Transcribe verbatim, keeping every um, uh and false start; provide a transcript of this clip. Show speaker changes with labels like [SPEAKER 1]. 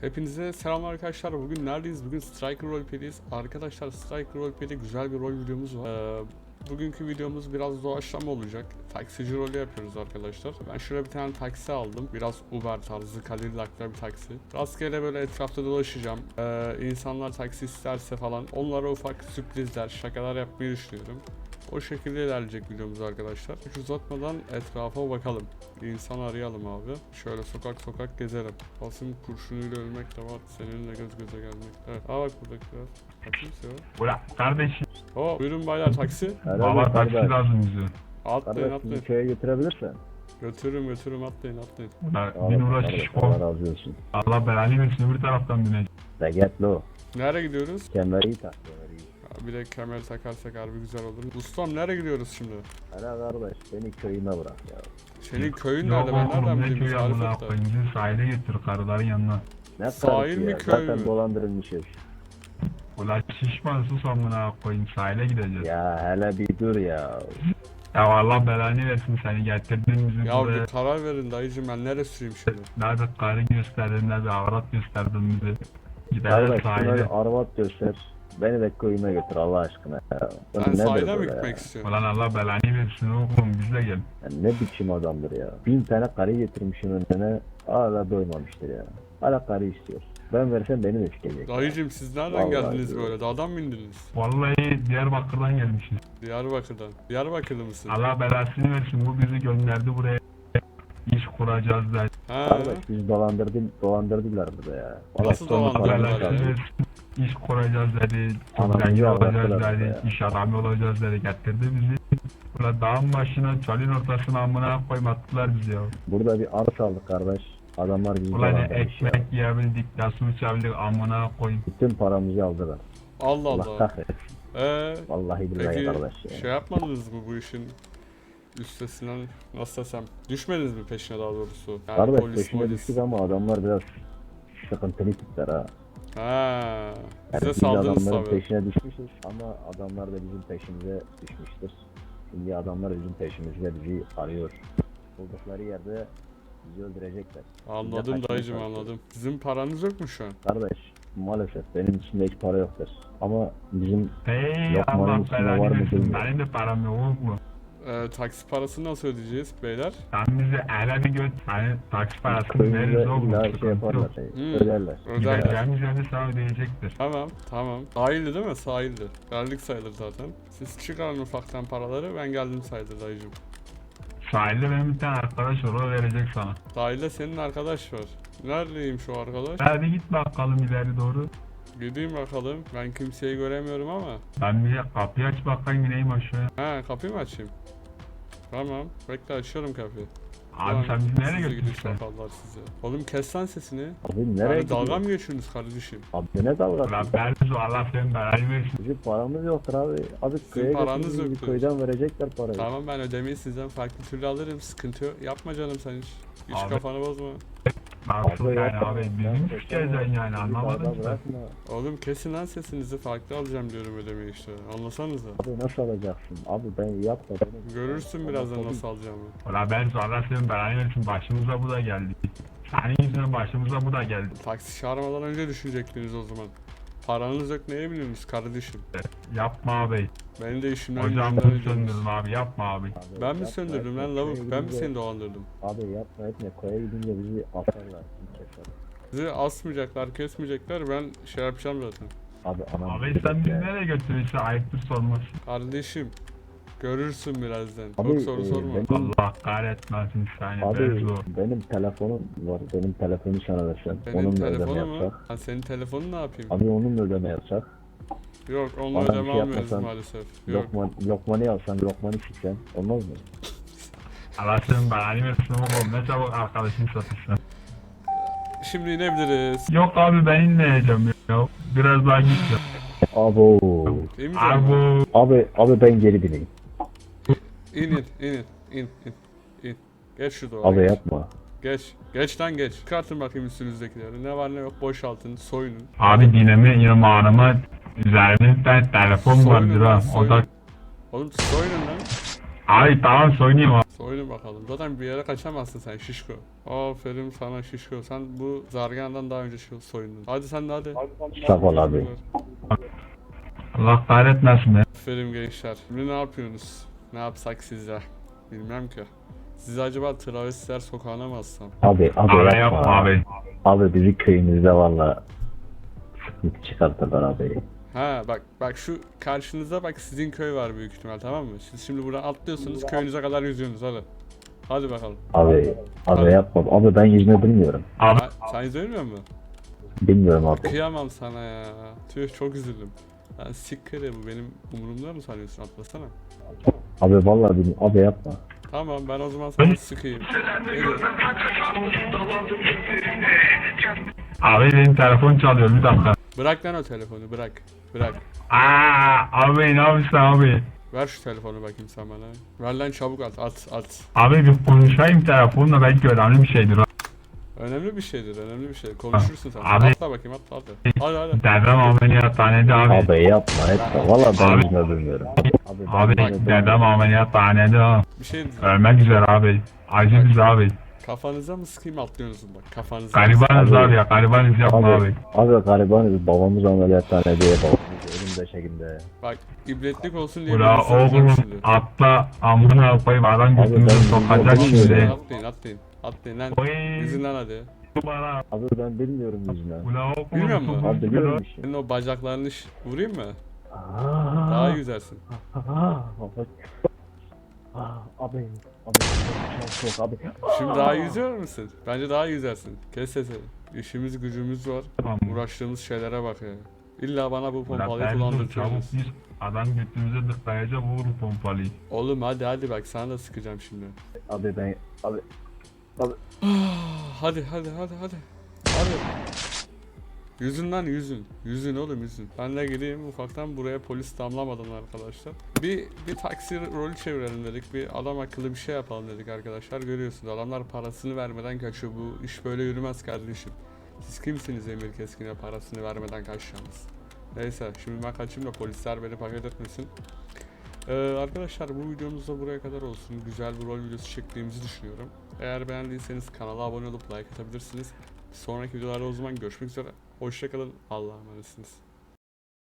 [SPEAKER 1] Hepinize selamlar arkadaşlar. Bugün neredeyiz? Bugün Striker Roleplay'deyiz. Arkadaşlar Striker Roleplay'de güzel bir rol videomuz var. Ee, bugünkü videomuz biraz doğaçlama olacak. Taksici rolü yapıyoruz arkadaşlar. Ben şöyle bir tane taksi aldım. Biraz Uber tarzı, Cadillac'lı bir taksi. Rastgele böyle etrafta dolaşacağım. Ee, insanlar taksi isterse falan onlara ufak sürprizler, şakalar yapmayı düşünüyorum. O şekilde ilerleyecek videomuz arkadaşlar. Hiç uzatmadan etrafa bakalım. Bir insan arayalım abi. Şöyle sokak sokak gezelim. Basın kurşunuyla ölmek de var. Seninle göz göze gelmek. Evet. Aa bak buradakiler. Kimse yok.
[SPEAKER 2] Ulan kardeşim.
[SPEAKER 1] Oo, buyurun baylar taksi.
[SPEAKER 2] Valla taksi lazım bize.
[SPEAKER 1] Atlayın
[SPEAKER 3] Kardeş
[SPEAKER 1] atlayın.
[SPEAKER 3] bizi köye götürebilirsen.
[SPEAKER 1] Götürürüm götürürüm atlayın atlayın.
[SPEAKER 2] Ulan bin uğraş
[SPEAKER 3] Kardeş,
[SPEAKER 2] iş
[SPEAKER 3] Allah
[SPEAKER 2] kol.
[SPEAKER 3] razı olsun.
[SPEAKER 2] Allah belanı versin öbür taraftan bineceğim.
[SPEAKER 3] Regetli o.
[SPEAKER 1] Nereye gidiyoruz?
[SPEAKER 3] Kemeri iyi tak kemeri iyi.
[SPEAKER 1] Ya bir de kemer takarsak harbi güzel olur. Ustam nereye gidiyoruz şimdi?
[SPEAKER 3] Hele kardeş beni köyüme bırak ya.
[SPEAKER 1] Senin köyün
[SPEAKER 2] Yok
[SPEAKER 1] nerede? Ben nereden
[SPEAKER 2] oğlum ne
[SPEAKER 1] bileyim?
[SPEAKER 2] köyü
[SPEAKER 1] Tarif
[SPEAKER 2] amına
[SPEAKER 1] et de.
[SPEAKER 2] koyayım. Bizi sahile getir karıların yanına.
[SPEAKER 3] Ne
[SPEAKER 1] Sahil
[SPEAKER 3] karısı
[SPEAKER 1] mi,
[SPEAKER 3] ya?
[SPEAKER 1] köy
[SPEAKER 3] Zaten
[SPEAKER 1] mü?
[SPEAKER 3] dolandırılmışız.
[SPEAKER 2] Ulan şişman sus amına koyayım sahile gideceğiz. Ya,
[SPEAKER 3] Ya hele bir dur ya.
[SPEAKER 2] Allah belanı versin seni getirdin bizi
[SPEAKER 1] Ya
[SPEAKER 2] buraya.
[SPEAKER 1] bir karar verin dayıcım, ben nereye süreyim şimdi?
[SPEAKER 2] Ne bir karı gösterdin ne bir avrat gösterdin bizi. Gidelim
[SPEAKER 3] Kardeş şuna
[SPEAKER 2] sahile.
[SPEAKER 3] bir arvat göster. Beni de köyüme götür Allah aşkına ya. Bu
[SPEAKER 1] Sen
[SPEAKER 3] nedir
[SPEAKER 1] sahile mi
[SPEAKER 3] böyle
[SPEAKER 1] gitmek
[SPEAKER 3] ya?
[SPEAKER 1] istiyorsun?
[SPEAKER 2] Ulan Allah belanı versin oğlum bizle gel.
[SPEAKER 3] Ya ne biçim adamdır ya. Bin tane karı getirmişim önüne. Hala doymamıştır ya. Hala karı istiyor. Ben versem beni de sikecek. ya.
[SPEAKER 1] Dayıcım siz nereden
[SPEAKER 3] Vallahi
[SPEAKER 1] geldiniz
[SPEAKER 3] diyorum.
[SPEAKER 1] böyle? Dağdan mı indiniz?
[SPEAKER 2] Vallahi Diyarbakır'dan gelmişiz.
[SPEAKER 1] Diyarbakır'dan. Diyarbakırlı mısın?
[SPEAKER 2] Allah belasını versin bu bizi gönderdi buraya. İş kuracağız da.
[SPEAKER 1] Ha.
[SPEAKER 3] Kardeş bizi dolandırdı, dolandırdılar burada ya.
[SPEAKER 1] Nasıl
[SPEAKER 3] sonra
[SPEAKER 1] dolandırdılar
[SPEAKER 3] paramı
[SPEAKER 1] ya?
[SPEAKER 3] çaldı.
[SPEAKER 2] Belasını versin. İş kuracağız dedi. Çok
[SPEAKER 3] Anamızı
[SPEAKER 2] zengin olacağız
[SPEAKER 3] ağlattılar
[SPEAKER 2] dedi.
[SPEAKER 3] ya.
[SPEAKER 2] İş adamı olacağız dedi. Getirdi bizi. Ulan dağın başına, çölün ortasına amına koyayım attılar bizi ya.
[SPEAKER 3] Burada bir arsa aldık kardeş. Adamlar bizi
[SPEAKER 2] Ulan ne
[SPEAKER 3] dolandırmış ya.
[SPEAKER 2] ekmek yiyebildik, ne su içebildik amına koyayım.
[SPEAKER 3] Bütün paramızı aldılar.
[SPEAKER 1] Allah
[SPEAKER 3] Allah
[SPEAKER 1] Allah.
[SPEAKER 3] kahretsin.
[SPEAKER 1] Ee,
[SPEAKER 3] Vallahi billahi
[SPEAKER 1] peki
[SPEAKER 3] kardeş ya.
[SPEAKER 1] şey yapmadınız mı bu işin üstesinden, nasıl desem, düşmediniz mi peşine daha doğrusu? Yani
[SPEAKER 3] Kardeş
[SPEAKER 1] polis,
[SPEAKER 3] peşine
[SPEAKER 1] polis.
[SPEAKER 3] düştük ama adamlar biraz sıkıntılı tipler ha.
[SPEAKER 1] Ha,
[SPEAKER 3] Yani
[SPEAKER 1] bize
[SPEAKER 3] biz
[SPEAKER 1] saldınız
[SPEAKER 3] adamların
[SPEAKER 1] tabii.
[SPEAKER 3] peşine düşmüşüz ama adamlar da bizim peşimize düşmüştür. Şimdi adamlar bizim peşimizde bizi arıyor. Buldukları yerde bizi öldürecekler.
[SPEAKER 1] Anladım
[SPEAKER 3] kaçmaya
[SPEAKER 1] dayıcım
[SPEAKER 3] çalışıyoruz.
[SPEAKER 1] anladım. Sizin paranız yok mu şu an?
[SPEAKER 3] Kardeş maalesef benim içimde hiç para yoktur. Ama bizim
[SPEAKER 2] Hey
[SPEAKER 3] Lokmanın
[SPEAKER 2] Allah
[SPEAKER 3] üstüne
[SPEAKER 2] belanı
[SPEAKER 3] var mı
[SPEAKER 2] versin.
[SPEAKER 3] bilmiyorum.
[SPEAKER 2] Benim de param yok mu?
[SPEAKER 1] Ee, taksi parasını nasıl ödeyeceğiz beyler?
[SPEAKER 2] Sen bizi ele bir göt. Hani taksi parasını
[SPEAKER 3] köyümüze
[SPEAKER 2] veririz oğlum.
[SPEAKER 3] illa şey
[SPEAKER 2] sıkıntı
[SPEAKER 3] yaparlar.
[SPEAKER 2] yok.
[SPEAKER 3] Şey,
[SPEAKER 1] Hmm.
[SPEAKER 3] Öderler.
[SPEAKER 1] Öderler.
[SPEAKER 2] Gideceğimiz yerde sana ödeyecektir.
[SPEAKER 1] Tamam tamam. Sahildi değil mi? Sahildi. Geldik sayılır zaten. Siz çıkarın ufaktan paraları, ben geldim sayılır dayıcım.
[SPEAKER 2] Sahilde benim bir tane arkadaş var o verecek sana.
[SPEAKER 1] Sahilde senin arkadaş var. Neredeymiş o arkadaş?
[SPEAKER 2] Hadi git bakalım ileri doğru.
[SPEAKER 1] Gideyim bakalım. Ben kimseyi göremiyorum ama.
[SPEAKER 2] Ben bir kapıyı aç bakayım ineyim aşağıya.
[SPEAKER 1] Ha, kapıyı mı açayım? Tamam. Bekle, açıyorum kapıyı.
[SPEAKER 2] Abi
[SPEAKER 1] Ulan,
[SPEAKER 2] sen bizi nereye
[SPEAKER 1] sizi gidi
[SPEAKER 2] götürüyorsun?
[SPEAKER 1] şakallar sizi. Oğlum kes lan sesini.
[SPEAKER 3] Abi nereye
[SPEAKER 1] Yani dalga
[SPEAKER 3] gidiyorsun?
[SPEAKER 1] mı geçiyorsunuz kardeşim?
[SPEAKER 3] Abi ne dalgası?
[SPEAKER 2] Ulan Berzo Allah senin belanı versin.
[SPEAKER 3] Bizim paramız yoktur abi. Abi köye
[SPEAKER 1] paranız
[SPEAKER 3] götürün,
[SPEAKER 1] yok
[SPEAKER 3] bizi
[SPEAKER 1] diyorsun.
[SPEAKER 3] köyden verecekler parayı.
[SPEAKER 1] Tamam, ben ödemeyi sizden farklı türlü alırım. Sıkıntı yok. Yapma canım sen hiç. Hiç
[SPEAKER 2] Abi.
[SPEAKER 1] kafanı bozma.
[SPEAKER 2] Nasıl yani
[SPEAKER 3] yapma.
[SPEAKER 2] abi bizim
[SPEAKER 3] Yapma,
[SPEAKER 2] sikeceksin
[SPEAKER 3] yapma.
[SPEAKER 2] yani
[SPEAKER 3] Bizi
[SPEAKER 2] anlamadın
[SPEAKER 3] dağda
[SPEAKER 2] ki.
[SPEAKER 3] bırakma.
[SPEAKER 1] Oğlum kesin lan sesinizi, farklı alacağım diyorum ödemeyi işte. Anlasanıza.
[SPEAKER 3] Abi nasıl alacaksın? Abi ben yapma. Beni...
[SPEAKER 1] Görürsün birazdan nasıl alacağımı.
[SPEAKER 2] Ulan Berzo Allah senin belanı versin başımıza bu da geldi. Senin yüzünden başımıza bu da geldi.
[SPEAKER 1] Taksi çağırmadan önce düşünecektiniz o zaman. Paranız yok, neye biliyorsunuz kardeşim?
[SPEAKER 2] Yapma abi.
[SPEAKER 1] Benim de işimden
[SPEAKER 2] Ocağımı
[SPEAKER 1] gücümden ediyorsunuz.
[SPEAKER 2] söndürdüm abi yapma abi.
[SPEAKER 3] Abi
[SPEAKER 1] Ben
[SPEAKER 3] yapma,
[SPEAKER 1] mi söndürdüm
[SPEAKER 3] etme.
[SPEAKER 1] lan lavuk?
[SPEAKER 3] Köye
[SPEAKER 1] Ben mi
[SPEAKER 3] gidince-
[SPEAKER 1] seni dolandırdım?
[SPEAKER 3] Abi yapma etme. Koya gidince bizi atarlar. Keser.
[SPEAKER 1] Sizi asmayacaklar, kesmeyecekler. Ben şey yapacağım zaten.
[SPEAKER 3] Abi anam.
[SPEAKER 2] Abi sen bizi nereye götürüyorsun ayıptır sorması.
[SPEAKER 1] Kardeşim, görürsün birazdan.
[SPEAKER 3] Abi,
[SPEAKER 1] Çok soru
[SPEAKER 3] e,
[SPEAKER 1] sorma.
[SPEAKER 3] ben-
[SPEAKER 2] Allah kahretmesin seni
[SPEAKER 3] Abi
[SPEAKER 2] Berzo.
[SPEAKER 3] benim telefonum var. Benim telefonu sana versem.
[SPEAKER 1] Benim
[SPEAKER 3] Onunla ödeme
[SPEAKER 1] telefonum mu?
[SPEAKER 3] yapsak.
[SPEAKER 1] Ha, senin telefonun ne yapayım?
[SPEAKER 3] Abi onunla ödeme yapsak.
[SPEAKER 1] Yok, onunla
[SPEAKER 3] Bana bir
[SPEAKER 1] ödeme
[SPEAKER 3] şey
[SPEAKER 1] almıyoruz
[SPEAKER 3] yapmasan,
[SPEAKER 1] maalesef. Yok.
[SPEAKER 3] Lokman, lokmanı alsan, lokmanı siksen. Olmaz mı?
[SPEAKER 2] Allah senin belanı versin oğlum ne çabuk arkadaşını satışsın.
[SPEAKER 1] Şimdi inebiliriz.
[SPEAKER 2] Yok abi ben inmeyeceğim ya. Biraz daha git ya.
[SPEAKER 3] Abo.
[SPEAKER 1] İyi mi?
[SPEAKER 2] Abi bu.
[SPEAKER 3] Abi, abi ben geri bineyim.
[SPEAKER 1] İn in, in in, in in, in. Geç şu duvara.
[SPEAKER 3] Abi
[SPEAKER 1] geç.
[SPEAKER 3] yapma.
[SPEAKER 1] Geç. Geç lan geç. Çıkartın bakayım üstünüzdekileri. Ne var ne yok boşaltın, soyunun.
[SPEAKER 2] Abi dinemi yamağıma üzerimde telefon
[SPEAKER 1] Soyunun
[SPEAKER 2] vardır
[SPEAKER 1] lan,
[SPEAKER 2] ha. O da.
[SPEAKER 1] soyunun. Oğlum soyunun lan.
[SPEAKER 2] Abi tamam soyunayım abi.
[SPEAKER 1] Soyun. Oyna bakalım. Zaten bir yere kaçamazsın sen şişko. Aferin sana şişko. Sen bu zargandan daha önce şu- soyundun. Hadi sen de hadi.
[SPEAKER 3] Sağ ol abi.
[SPEAKER 2] Allah kahretmesin be.
[SPEAKER 1] Aferin gençler. Şimdi ne yapıyorsunuz? Ne yapsak sizce? Bilmem ki. Sizi acaba travestiler sokağına mı assam?
[SPEAKER 3] Abi abi,
[SPEAKER 2] Abi
[SPEAKER 3] yapma.
[SPEAKER 2] yapma abi.
[SPEAKER 3] Abi bizi köyümüzde valla sıkıntı çıkarttılar abi.
[SPEAKER 1] Ha bak bak şu karşınızda bak sizin köy var büyük ihtimal, tamam mı? Siz şimdi buradan atlıyorsunuz, köyünüze kadar yüzüyorsunuz, hadi. Hadi bakalım.
[SPEAKER 3] Abi abi yapma. Abi ben yüzme bilmiyorum.
[SPEAKER 2] Abi
[SPEAKER 1] Ha, sen izlemiyor musun?
[SPEAKER 3] Bilmiyorum abi.
[SPEAKER 1] Kıyamam sana ya. Tüh, çok üzüldüm. Lan sikkire, bu benim umurumda mı sanıyorsun? Atlasana.
[SPEAKER 3] Abi vallahi bilmiyorum. Abi yapma.
[SPEAKER 1] Tamam, ben o zaman sana sıkayım. Neydi?
[SPEAKER 2] abi benim telefon çalıyor bir dakika.
[SPEAKER 1] Bırak lan o telefonu, bırak. Bırak.
[SPEAKER 2] Aa abi ne yapıyorsun abi?
[SPEAKER 1] Ver şu telefonu bakayım sen bana. Ver lan çabuk, at at at.
[SPEAKER 2] Abi bir konuşayım telefonla belki önemli bir şeydir.
[SPEAKER 1] Önemli bir şeydir, önemli bir şey. Konuşursun sen.
[SPEAKER 2] Abi.
[SPEAKER 1] Atla bakayım, atla hadi. Hadi hadi.
[SPEAKER 2] Dedem ameliyathanede abi.
[SPEAKER 3] Abi yapma etme. Vallahi ben
[SPEAKER 2] Abi.
[SPEAKER 3] yüzme bilmiyorum. Abi, ben
[SPEAKER 2] Abi
[SPEAKER 3] yüzme bilmiyorum.
[SPEAKER 2] dedem ameliyathanede ha.
[SPEAKER 1] Bir şey diyeceğim.
[SPEAKER 2] Ölmek üzere abi. Acı biz abi.
[SPEAKER 1] Kafanıza mı sıkayım, atlıyorsunuz bak. Kafanıza.
[SPEAKER 2] Garibanız
[SPEAKER 3] Abi.
[SPEAKER 2] abi ya. Garibanız yapma abi.
[SPEAKER 3] Abi, abi garibanız. Babamız ameliyathanede. Babamız ölüm döşeğinde.
[SPEAKER 1] Bak, ibretlik olsun diye
[SPEAKER 2] Ula
[SPEAKER 1] birini soracağım
[SPEAKER 2] oğlum
[SPEAKER 1] şimdi.
[SPEAKER 2] atla amına koyayım adam
[SPEAKER 3] Abi
[SPEAKER 2] götümüzü
[SPEAKER 3] ben
[SPEAKER 2] sokacak
[SPEAKER 3] bilmiyorum.
[SPEAKER 2] şimdi.
[SPEAKER 1] Atlayın atlayın. Atlayın lan.
[SPEAKER 2] Oy.
[SPEAKER 1] Yüzün lan hadi.
[SPEAKER 2] Bana.
[SPEAKER 3] Abi ben bilmiyorum yüzme.
[SPEAKER 2] Ula oğlum.
[SPEAKER 1] Bilmiyor musun?
[SPEAKER 3] Abi biliyorum işte.
[SPEAKER 1] Senin o bacaklarını ş- vurayım mı?
[SPEAKER 3] Aa,
[SPEAKER 1] Daha iyi yüzersin.
[SPEAKER 3] aa, Abi. Aa, Abi. Abi. Çok çok abi.
[SPEAKER 1] Şimdi daha iyi yüzüyor musun? Bence daha iyi yüzersin. Kes sesini. İşimiz gücümüz var.
[SPEAKER 2] Tamam.
[SPEAKER 1] Uğraştığımız şeylere bak ya. İlla bana bu
[SPEAKER 2] Ula
[SPEAKER 1] pompalıyı
[SPEAKER 2] ben dur çabuk
[SPEAKER 1] kullandırtıyorsunuz.
[SPEAKER 2] biz adam götümüze tıklayacak vur pompalıyı.
[SPEAKER 1] Oğlum hadi hadi bak, sana da sıkacağım şimdi.
[SPEAKER 3] Abi ben abi
[SPEAKER 1] Hadi hadi hadi hadi. Hadi. Yüzün lan yüzün. Yüzün oğlum yüzün. Ben de gideyim ufaktan, buraya polis damlamadan arkadaşlar. Bir bir taksi rolü çevirelim dedik. Bir adam akıllı bir şey yapalım dedik arkadaşlar. Görüyorsunuz adamlar parasını vermeden kaçıyor. Bu iş böyle yürümez kardeşim. Siz kimsiniz Emir Keskin'e parasını vermeden kaçacağınız? Neyse şimdi ben kaçayım da polisler beni paket etmesin. Ee, arkadaşlar bu videomuz da buraya kadar olsun. Güzel bir rol videosu çektiğimizi düşünüyorum. Eğer beğendiyseniz kanala abone olup like atabilirsiniz. Sonraki videolarda o zaman görüşmek üzere. Hoşçakalın. Allah'a emanetsiniz.